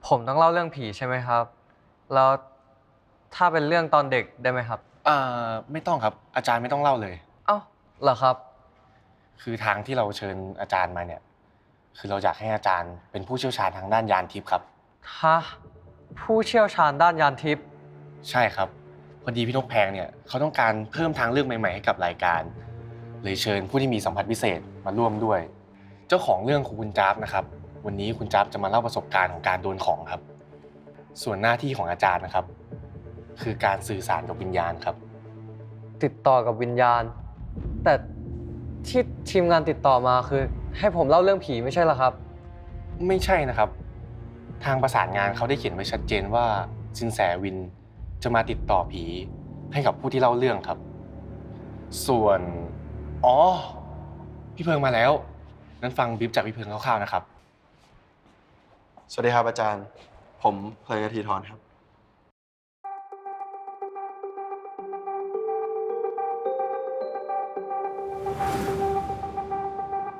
ผมต้องเล่าเรื่องผีใช่ไหมครับ แล้วถ้าเป็นเรื่องตอนเด็กได้ไหมครับไม่ต้องครับอาจารย์ไม่ต้องเล่าเลยเอ้าเหรอครับคือทางที่เราเชิญอาจารย์มาเนี่ยคือเราอยากให้อาจารย์เป็นผู้เชี่ยวชาญทางด้านยานทิพย์ครับฮะผู้เชี่ยวชาญด้านยานทิพย์ใช่ครับพอดีพี่นกแพงเนี่ยเขาต้องการเพิ่มทางเลือกใหม่ๆให้กับรายการเลยเชิญผู้ที่มีสัมผัสพิเศษมาร่วมด้วยเจ้าของเรื่องคือคุณจ๊าบนะครับวันนี้คุณจ๊าบจะมาเล่าประสบการณ์ของการโดนของครับส่วนหน้าที่ของอาจารย์นะครับคือการสื่อสารกับวิญญาณครับติดต่อกับวิญญาณ แต่ที่ทีมงานติดต่อมาคือให้ผมเล่าเรื่องผีไม่ใช่เหรอครับไม่ใช่นะครับทางประสานงานเขาได้เขียนไว้ชัดเจนว่าสินแสวินจะมาติดต่อผีให้กับผู้ที่เล่าเรื่องครับส่วนอ๋อพี่เพิงมาแล้วงั้นฟังบรีฟจากพี่เพิงคร่าวๆนะครับสวัสดีครับอาจารย์ ผมเพลินกทีทรครับ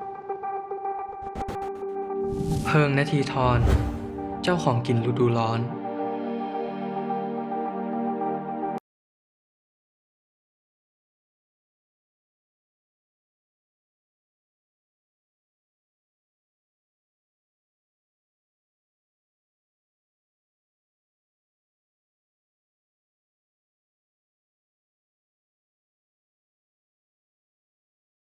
เพิงนาทีทรเจ้าของกลิ่นฤดูร้อน